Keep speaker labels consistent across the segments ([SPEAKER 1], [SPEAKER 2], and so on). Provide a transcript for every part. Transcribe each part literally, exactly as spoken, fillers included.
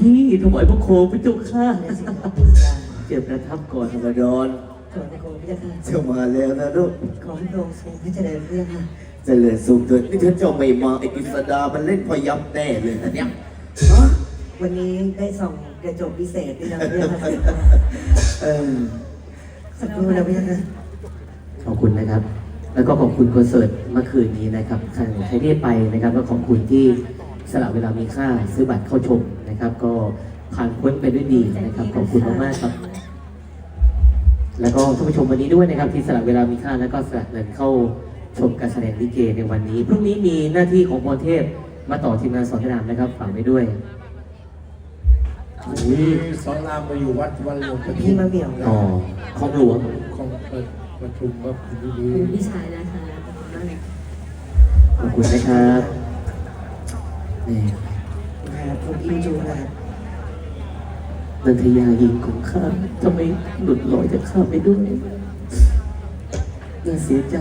[SPEAKER 1] พี่ถวายพระโคมพระเจ้าข้าเจ็บประทับก่อนธรรมดอน
[SPEAKER 2] ขอพระโคมพระเจ้าค่ะ
[SPEAKER 3] เจ้ามาแล้วนะลูก
[SPEAKER 2] ขอให้พระองค์ทรงพระเจริญเรื่องค่ะ
[SPEAKER 3] เจริญสุขเถิดนี่ถ้าเจ้าไม่มาไอ้กฤษดามันเล่นพยับแน่เลยนะเนี่ยฮะ
[SPEAKER 2] วันนี้ได้ส่องกระจกพิเศษด้วยนะพระเจ้าค่ะ
[SPEAKER 3] เออ
[SPEAKER 2] สักครู่นะพระเจ้าค่ะ
[SPEAKER 1] ขอบคุณนะครับ แล้วก็ขอบคุณคอนเสิร์ตเมื่อคืนนี้นะครับใครใครที่ไปนะครับก็ขอบคุณที่สละเวลามีค่าซื้อบัตรเข้าชมนะครับ ก็ผ่านพ้นไปด้วยดีนะครับขอบคุณมากๆครับ แล้วก็ท่านผู้ชมวันนี้ด้วยนะครับที่สละเวลามีค่าแล้วก็สละเงินเข้าชมการแสดงลิเกในวันนี้พรุ่งนี้มีหน้าที่ของพรเทพมาต่อทีมงานสอนรามนะครับฝากไว้ด้วย
[SPEAKER 4] อุ้ยสอนรามมาอยู่วัดวันหลวงประ
[SPEAKER 2] พี่
[SPEAKER 4] ทีป
[SPEAKER 2] มาเบี่ยว
[SPEAKER 1] ต่อของหลวง
[SPEAKER 4] ของเปิดประชุมว่าคุณดี
[SPEAKER 5] คุณพี่ชายนะคะขอบคุณมากเลย
[SPEAKER 1] ขอบคุณนะครับนี่
[SPEAKER 2] ครับคุณพี่จูครับ
[SPEAKER 1] นันทยายิงของข้าทำไมหลุดลอยจากข้าไปด้วยน่าเสียใจ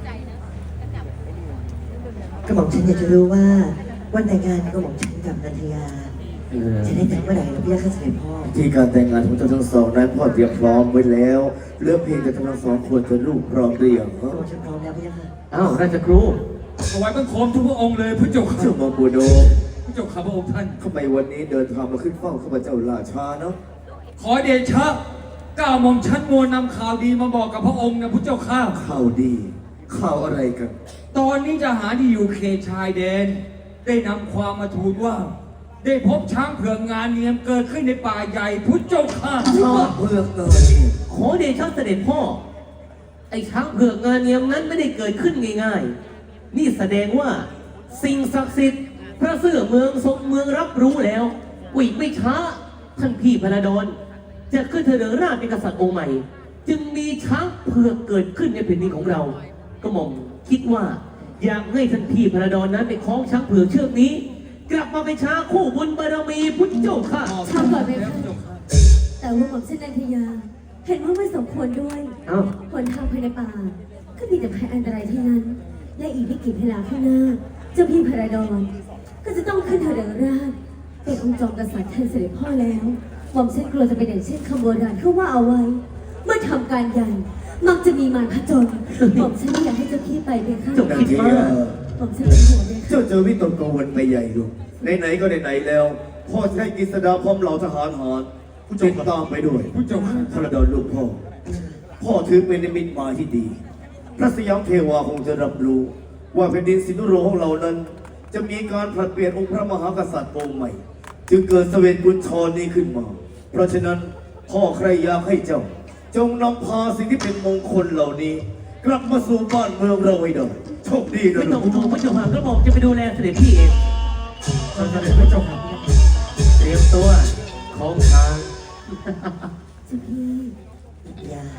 [SPEAKER 2] กระหม่อมฉันอยากจะรู้ว่าวันแต่งงานกระหม่อมฉันกับนันทยา
[SPEAKER 1] เออ
[SPEAKER 2] จะได้แต่งเมื่อไหร่นะพี่ข้าเสด็จพ่อ
[SPEAKER 3] ที่การแต่งงานของเจ้าทั้งสองนั้นพ่อเตรียมพร้อมไว้แล้วเหลือกเพียงแต่ทั้งสองควรจะลูกพร้อมหรือยัง
[SPEAKER 2] กระหม่อมฉันพร้อมแล้วพี่ค่ะ
[SPEAKER 1] อ้าวราชครู
[SPEAKER 6] ถวายบังคมทุกพระองค์เลยพระเจ้าค่ะ
[SPEAKER 3] เจ้ามาบูโด
[SPEAKER 6] พระเจ้าข้าพระองค์ท่าน
[SPEAKER 3] ทำไมวันนี้เดินทางมาขึ้นเฝ้าข้าพเจ้าราชาเนาะ
[SPEAKER 6] ขอเดชะก้าวหม่อมชั้นมวลนำข่าวดีมาบอกกับพระองค์นะพระเจ้าข้า
[SPEAKER 3] ข่าวดีข่าวอะไรกัน
[SPEAKER 6] ตอนนี้จะหารที่อยู่เขตชายแดน ได้นำความมาทูลว่า ได้พบช้างเผือกงานเนียมเกิดขึ้นในป่าใหญ่พุทธเจ้าข้า
[SPEAKER 3] ช้างเผือกเกิดนี่
[SPEAKER 1] ขอเดชะเสด็จพ่อ ไอ้ช้างเผือกงานเนียมนั้นไม่ได้เกิดขึ้นง่ายๆ นี่แสดงว่าสิ่งศักดิ์สิทธิ์พระเสื้อเมืองทรงเมืองรับรู้แล้ววิไม่ช้า ท่านพี่พระดอนจะขึ้นเถริงราชเป็นกษัตริย์องค์ใหม่ จึงมีช้างเผือกเกิดขึ้นในแผ่นดินของเรา ก็หม่อมคิดว่า อยากให้ท่านพี่พระดอนนั้นไปคล้องช้างเผือกเชือกนี้ กลับมาเป็นช้างคู่บุญบารมีพุทธเจ้าค่ะ
[SPEAKER 5] ชาวก่อนไหมคะแต่ว่าหม่อมเช่นนันทยา เห็นว่าไม่สมควรด้วย
[SPEAKER 1] เอ้า
[SPEAKER 5] หนทางภายในป่า ก็มีแต่ภัยอันตรายทั้งนั้น และอีกไม่กี่เวลาข้างหน้า เจ้าพี่พระดอนก็จะต้องขึ้นเถริงราชเป็นองค์จอมกษัตริย์แทนเสด็จพ่อแล้วหม่อมเช่นกลัวจะเป็นอย่างเช่นคำโบราณเขาว่าเอาไว้ เมื่อทำการใหญ่มักจะมีมารผจญหม่อมฉันไม่อยากให้เจ้าพี่ไปเป็นข้า
[SPEAKER 1] จบ
[SPEAKER 3] นัน
[SPEAKER 1] คิด
[SPEAKER 3] ที
[SPEAKER 1] มาก
[SPEAKER 5] หม่อมฉันเป็นห่วงเลยค่ะ
[SPEAKER 3] เจ้าเจอวิตกกังวลไปใหญ่ลูกไหนๆก็ไหนๆแล้ว พ่อจะให้กฤษดาพร้อมเหล่าทหารหารติดตามไปด้วย
[SPEAKER 6] พระเจ้าค่ะ
[SPEAKER 3] พระดอนลูกพ่อ พ่อถือเป็นนิมิตหมายที่ดี พระสยามเทวาคงจะรับรู้ ว่าแผ่นดินสินุโรของเรานั้น จะมีการผลัดเปลี่ยนองค์พระมหากษัตริย์องค์ใหม่ จึงเกิดเสวตกุญชรนี้ขึ้นมา เพราะฉะนั้นพ่อใครอยากให้เจ้า จงนำพาสิ่งที่เป็นมงคลเหล่านี้ กลับมาสู่บ้านเมืองเราให้ได้โชคดีนะ
[SPEAKER 1] ไม่
[SPEAKER 3] ลู
[SPEAKER 1] ต้อง
[SPEAKER 3] ก
[SPEAKER 1] ห่วงพระเจ้าค่ะก็บอกจะไปดูแลเสด็จพี่เอง
[SPEAKER 6] เสด็จพระเจ้าค่ะ
[SPEAKER 1] เตรียมตัวของทาง
[SPEAKER 5] เจ้าพี่
[SPEAKER 2] นันทยา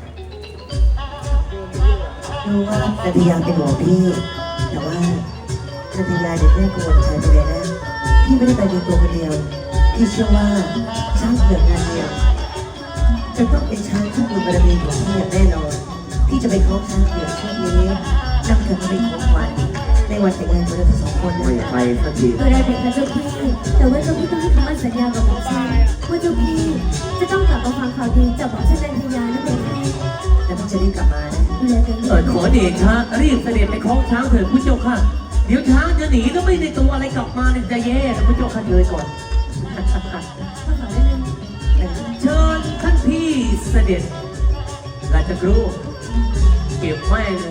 [SPEAKER 2] รู้ว่านันทยาเป็นห่วงพี่ แต่ว่านันทยาเด็กแม่กังวลใจไปเลยนะ พี่ไม่ได้ไปเพียงตัวคนเดียว พี่เชื่อว่าช้างเผือกงานเดียวจะต้องเป็นช้างที่บุญบารมีของพี่อย่างแน่นอน พี่จะไปคล้องช้างเผือกเชือกนี้นำกลับมาเป็นของขวัญในวันแต่งงานของเราทั้งสองคน
[SPEAKER 1] ไม่
[SPEAKER 2] นะ
[SPEAKER 1] ไปสักที
[SPEAKER 5] ก็ได้เป็นค่ะเจ้าพี่ แต่ว่าเจ้าพี่ต้องให้คำมั่นสัญญากับหม่อมฉันว่าเจ้าพี่จะต้องกลับมาฟังข่าวดีจากหม่อมฉันนันทยานั่นเองค่ะ
[SPEAKER 2] แล้วพี่จะรีบกลับมานะ
[SPEAKER 5] ดูแลกันด้
[SPEAKER 1] เอ
[SPEAKER 5] ว
[SPEAKER 1] อย ขอเดชะรีบเสด็จไปคล้องช้างเถิดพุทธเจ้าค่ะ เดี๋ยวช้างจะหนีก็ไม่ได้ตัวอะไรกลับมาเนี่ยจะแย่นะพุทธเจ้าค่ะเลยก่อน
[SPEAKER 5] ข้าขอได้เลย
[SPEAKER 1] เชิญท่านพี่เสด็จราชครูเก็บแม่งเลย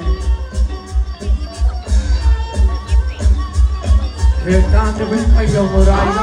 [SPEAKER 4] เหตุการณ์จะเป็นไปอย่างไร